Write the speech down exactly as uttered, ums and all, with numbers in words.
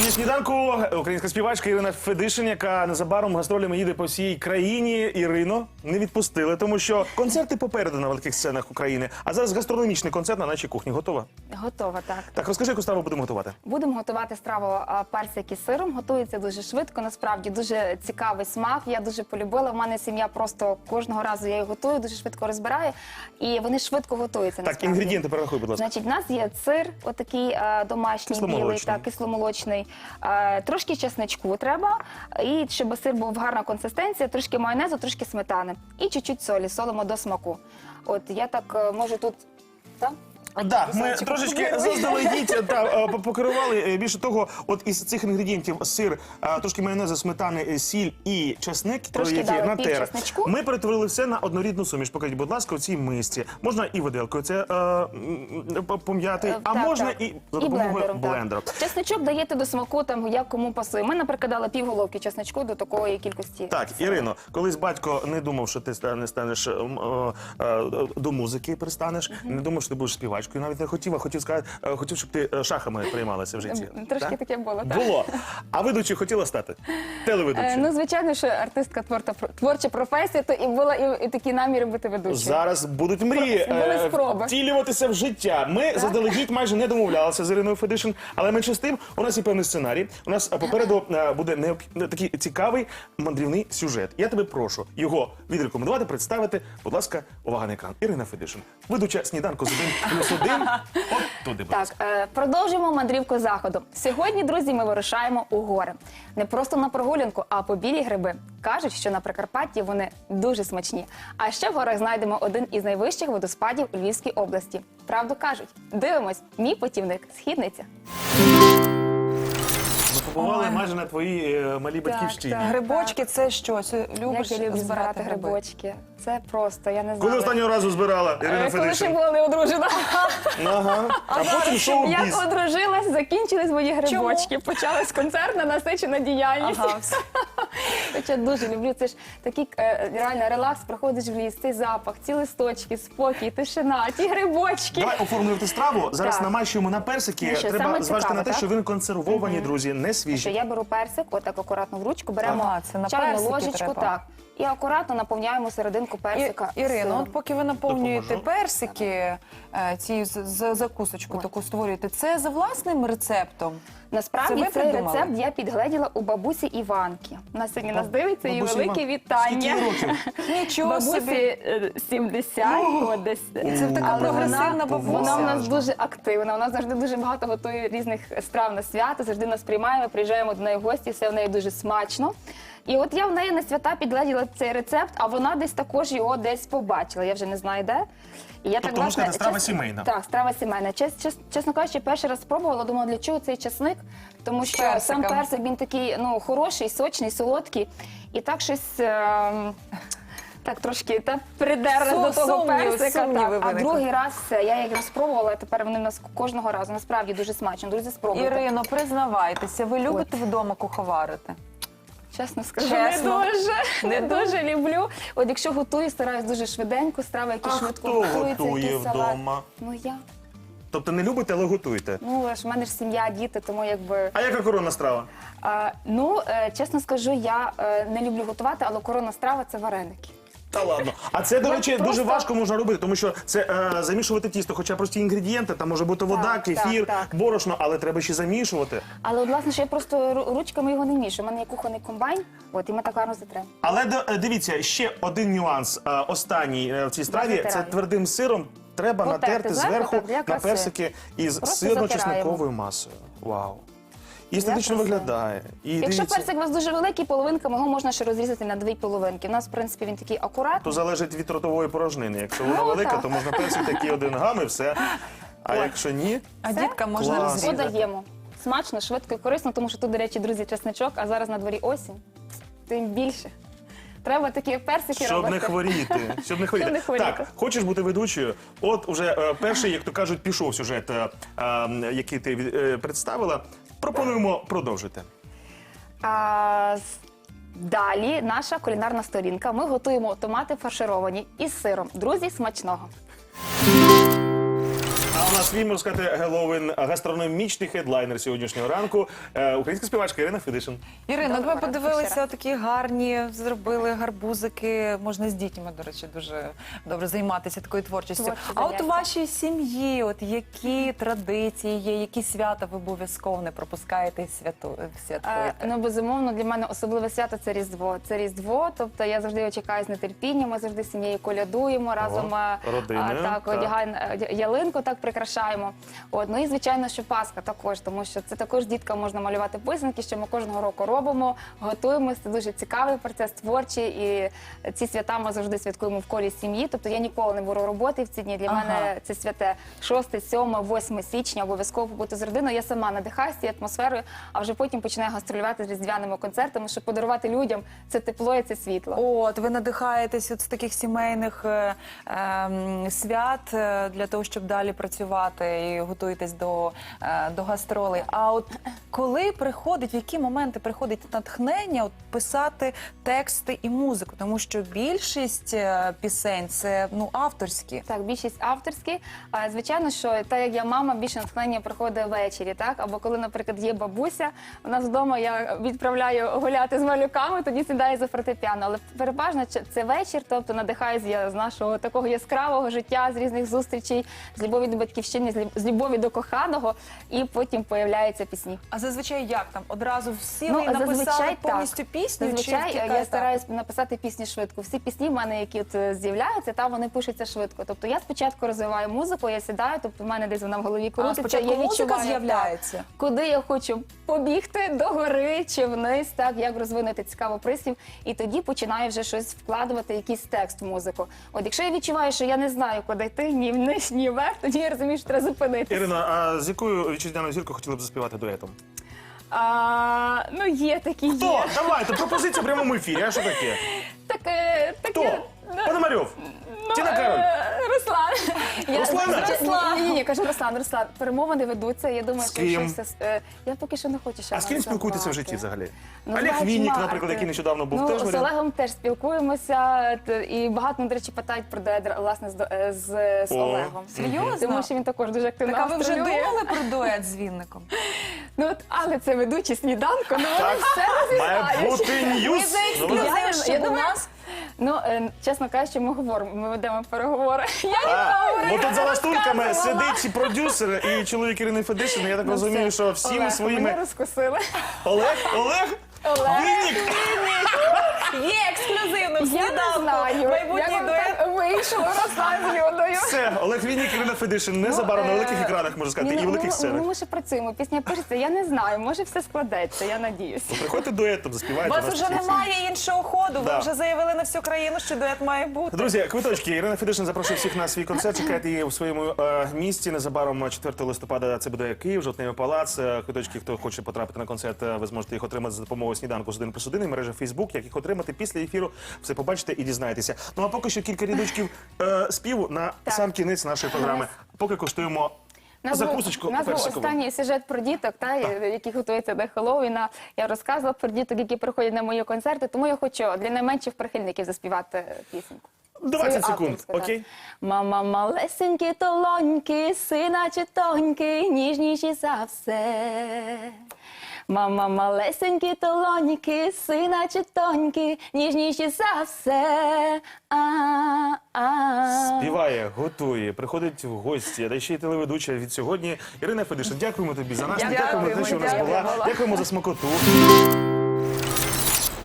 Сьогодні сніданку українська співачка Ірина Федишин, яка незабаром гастролями їде по всій країні. Ірино, не відпустили, тому що концерти попереду на великих сценах України. А зараз гастрономічний концерт на нашій кухні. Готова? Готова, так. Так, розкажи, яку страву будемо готувати? Будемо готувати страву а, персик із сиром. Готується дуже швидко, насправді дуже цікавий смак. Я дуже полюбила. В мене сім'я просто кожного разу я її готую, дуже швидко розбираю. І вони швидко готуються, Так, насправді. інгредієнти перерахуй, будь ласка. Значить, в нас є сир, отакий а, домашній, білий, так, кисломолочний. А, трошки чесничку треба, і щоб сир був гарна консистенція, трошки майонезу, трошки сметани. І чуть-чуть солі, солимо до смаку. От, я так е, можу тут... Так? Так, ми трошечки заздалегідь та, покерували. Більше того, от із цих інгредієнтів сир, трошки майонезу, сметани, сіль і чесник, Трошки дали пів чесничку. Ми перетворили все на однорідну суміш. Покажіть, будь ласка, у цій мисці. Можна і виделкою це е, пом'яти, а так, можна так. і за допомогою блендером, блендеру. Так. Чесничок даєте до смаку, там, як кому пасує. Ми, наприклад, дали пів головки чесничку до такої кількості. Так, Ірино, колись батько не думав, що ти не станеш е, е, до музики пристанеш, uh-huh. не думав, що ти будеш співачкою, навіть не хотів, а хотів сказати, хотів, щоб ти шахами приймалася в житті. Трошки так? таке було, так. Було. А ведучою хотіла стати? Телеведучою? Е, ну, звичайно, що артистка творча, творча професія, то і була і, і такі наміри бути ведучою. Зараз будуть мрії Були спроби. втілюватися в життя. Ми Так? заздалегідь майже не домовлялися з Іриною Федишин, але менше з тим, у нас є певний сценарій. У нас попереду е, буде необх... такий цікавий мандрівний сюжет. Я тебе прошу його відрекомендувати, представити. Будь ласка, увага на екран. Ірина Федишин, ведуча сніданку з один плюс один. От туди, будь ласка. Так, е, продовжуємо мандрівку заходу. Сьогодні, друзі, ми вирушаємо у гори. Не просто на прогулянку, а по білі гриби. Кажуть, що на Прикарпатті вони дуже смачні. А ще в горах знайдемо один із найвищих водоспадів у Львівській області. Правду кажуть. Дивимось. Мій путівник. Східниця. Ми побували майже на твоїй е, малій батьківщині. так. Грибочки – це що? Це любиш Як я люблю збирати збирати гриби? грибочки. Це просто, я не знаю. Коли останнього разу збирала Ірина Е, Коли ще Федишин? була не одружена. Ага. А потім шоу-біз. Як одружилась, закінчились мої грибочки. Почалась концертна насичена діяльність. Ага, все. Хоча дуже люблю. Це ж такий е, реально релакс. Приходиш в ліс, цей запах, ці листочки, спокій, тишина, ті грибочки. Давай оформлювати страву. Зараз Так. намащуємо на персики. Ну що, Треба саме зважити цікаве, на те, так? що вони консервовані, друзі, не Що свіжі. я беру персик, отак акуратно в ручку, беремо Ага, це на чайну персики ложечку, треба. так, і акуратно наповняємо серединку І, персика. Ірино, сиром. от поки ви наповнюєте Допоможу. персики, е, ці з- з- закусочку таку створюєте, це за власним рецептом? Насправді Це ви цей придумали? рецепт я підгледіла у бабусі Іванки. Вона сьогодні нас дивиться, і Бабусі велике Іван- вітання. Скільки їй років? Нічого Бабусі собі. е, сімдесят, от десь. І це така Але прогресивна вона, бабуся. Вона у нас дуже активна, вона завжди дуже багато готує різних страв на свято, завжди нас приймає, ми приїжджаємо до неї в гості, все в неї дуже смачно. І от я в неї на свята підгледіла цей рецепт, а вона десь також його десь побачила, я вже не знаю де. І я Тобто, можна сказати, страва сімейна. Так, страва сімейна. Чес, чес, чесно кажучи, перший раз спробувала, думала, для чого цей часник, тому що Персиком. сам персик, він такий, ну, хороший, сочний, солодкий, і так щось... ем, Так трошки та придерла Сум- до того сумніви, персика. сумніви Так. А виникли. другий раз все, я їх спробувала, і тепер вони в нас кожного разу. Насправді дуже смачно. Друзі, спробуйте. Ірино, признавайтеся, ви любите вдома куховарити? Чесно скажу, Чесно? не дуже, не дуже люблю. От якщо готую, стараюсь дуже швиденько, страви, які А швидко хто готуються, готує якийсь салат. вдома? Ну я. Тобто не любите, але готуєте. Ну, ж в мене ж сім'я, діти, тому якби... А яка коронна страва? А, ну, е, чесно скажу, я е, не люблю готувати, але коронна страва – це вареники. Та ладно. А це, до Я речі, просто- дуже важко можна робити, тому що це е, замішувати тісто, хоча прості інгредієнти, там може бути вода, Так, кефір, так, так. борошно, але треба ще замішувати. Але, от, власне, що я просто ру- ручками його не мішую. У мене є кухонний комбайн, от, і ми так гарно затремо. Але д- е, дивіться, ще один нюанс, е, останній е, в цій страві, це затирання. твердим сиром треба Потерти натерти зверху, зверху так, для на краси. персики із Просто сирно-чесниковою масою. Вау. І естетично краси. виглядає. І Якщо дивіться, персик у вас дуже великий, половинками його можна ще розрізати на дві половинки. У нас, в принципі, він такий акуратний. то залежить від ротової порожнини. Якщо вона Ну, велика, так. то можна персик такий один гам і все. А якщо ні, А Все? дітка можна Клас. розрізати. Додаємо. Смачно, швидко і корисно, тому що тут, до речі, друзі, чесничок, а зараз на дворі осінь. Тим більше. Треба такі персики щоб робити. не хворіти. Щоб не хворіти. не хворіти. Так, хочеш бути ведучою? От уже е, перший, як то кажуть, пішов сюжет, е, е, який ти е, представила. Пропонуємо продовжити. А, з- далі наша кулінарна сторінка. Ми готуємо томати фаршировані із сиром. Друзі, смачного! А у нас свій, можна сказати, Геловін, гастрономічний хедлайнер сьогоднішнього ранку. Е, Українська співачка Ірина Федишин. Ірина, Доброго ви ранку подивилися, ще раз. такі гарні, зробили гарбузики. Можна з дітьми, до речі, дуже добре займатися такою творчістю. Творчі А от у заняття. вашій сім'ї, от які традиції є, які свята ви обов'язково не пропускаєте і святу, Е, святкуєте? Ну, безумовно, для мене особливе свято це Різдво. Це Різдво, тобто я завжди його чекаю з нетерпінням, ми завжди з сім'єю колядуємо, разом е, родиною, а, так, так. одягаємо е, ялинку, так прикрашаємо. От, ну і звичайно, що Пасха також, тому що це також діткам можна малювати писанки, що ми кожного року робимо, готуємося. Це дуже цікавий процес, творчий, і ці свята ми завжди святкуємо в колі сім'ї. Тобто я ніколи не беру роботи в ці дні. Для Ага. мене це святе шосте, сьоме, восьме січня, обов'язково побути з родиною. Я сама надихаюся цією атмосферою, а вже потім починаю гастролювати з різдвяними концертами, щоб подарувати людям це тепло і це світло. От, ви надихаєтесь от з таких сімейних е, ем, свят е, для того, щоб далі працювати і готуєтесь до, е, до гастролей. А от коли приходить, в які моменти приходить натхнення от, писати тексти і музику? Тому що більшість е, пісень це ну, авторські. Так, більшість авторські. А, звичайно, що так як я мама, більше натхнення приходить ввечері, так? Або коли, наприклад, є бабуся, у нас вдома я відправляю гуляти з малюками, тоді сідаю за фортепіано. Але переважно ч- це вечір, тобто надихаюсь я з нашого такого яскравого життя, з різних зустрічей, з любові до батьківщини, з лю- з любові до коханого, і потім появляються пісні. А зазвичай як там? Одразу всі ви Ну, написали зазвичай повністю так. пісню? Зазвичай чи яка я етап? стараюсь написати пісні швидко. Всі пісні в мене, які от е, з'являються, там вони пишуться швидко. Тобто я спочатку розвиваю музику, я сідаю, тобто в мене десь вона в голові А, крутиться. спочатку я музика відчуваю, з'являється? так, куди я хочу побігти, до гори чи вниз, так, як розвинути цікавий прислів. І тоді починаю вже щось вкладувати, якийсь текст в музику. От якщо я відчуваю, що я не знаю, куди йти, ні вниз, ні вверх, тоді я розумію, що треба зупинитися. Ірина, а з якою вітчизняною зіркою хотіли б заспівати дуетом? А, ну, є такі, Хто? є. Давайте, пропозиція в прямому ефірі, а що таке? Таке, Хто? таке. Пономарьов? Ну, Тіна Кароль? е, Руслан. Я- Руслана? Руслан. Ні, ні, кажу Руслан, Руслан. Перемовини ведуться. Я думаю, З що ким? щось... е, Я поки що не хочу ще А з ким називати. спілкуєтеся в житті взагалі? Ну, Олег знаєш, Вінник, Марк, наприклад, який нещодавно був, ну, теж з варіант? Олегом теж спілкуємося. т- І багато, ну, до речі, питають про дует, власне, з, до- е, з, з О, Олегом. серйозно? Тому що він також дуже активно Так, а ви вже гастролює. думали про дует з Вінником? Ну, от, але це ведучий сніданку, ну, вони Так, все має розізнають. бути Ми ньюс. за Ну, ви- Я- ексклюзив, я щоб у думаю, нас Ну, е, чесно кажучи, ми говоримо, ми ведемо переговори. Я А, не бо тут за лаштунками розказувала. сидить і продюсер, і чоловік Ірини Федишин. Я так Ну, розумію, все. що всіми Олег, своїми... Мене розкусили. Олег? Олег? Олег. Вінник? є ексклюзивно в Я не сніданку. знаю, Майбутній як вам дует. так вийшло, Руслан з Людою. Все, Олег Вінник, Ірина Федишин. Незабаром на е, великих екранах, можна сказати, ні, і ну, великих ну, сценах. Ну, ми ще працюємо, пісня пишеться, я не знаю, може все складеться, я надіюсь. Приходьте дуетом, У заспівайте. вас нас вже всіх. немає іншого ходу. Да. Ви вже заявили на всю країну, що дует має бути. Друзі, квиточки. Ірина Федишин запрошує всіх на свій концерт. Чекайте її у своєму е, місті. Незабаром четвертого листопада це буде Київ, Жовтневий палац. Е, Квиточки, хто хоче потрапити на концерт, е, ви зможете їх отримати за допомогою сніданку з один плюс один і мережа Фейсбук. Як їх отримати після ефіру, все побачите і дізнаєтеся. Ну а поки що кілька рядочків е, співу на Так. сам кінець нашої програми. Поки коштуємо У нас був- закусочку У нас був персикову. останній сюжет про діток, та, які готуються до Хеллоуіна. Я розказувала про діток, які приходять на мої концерти, тому я хочу для найменших прихильників заспівати пісеньку. двадцять Свою секунд, авторську, так. окей? Мама малесенькі толоньки, сина чи тоньки, ніжніші за все. Мама малесенькі толоньки, сина чи тоньки, ніжніші за все. А-а-а. Співає, готує, приходить в гості, а ще й телеведуча від сьогодні. Ірина Федишин, дякуємо тобі за нас. Дякуємо, Дякуємо за те, що у нас дякуємо. була. Дякуємо за смакоту.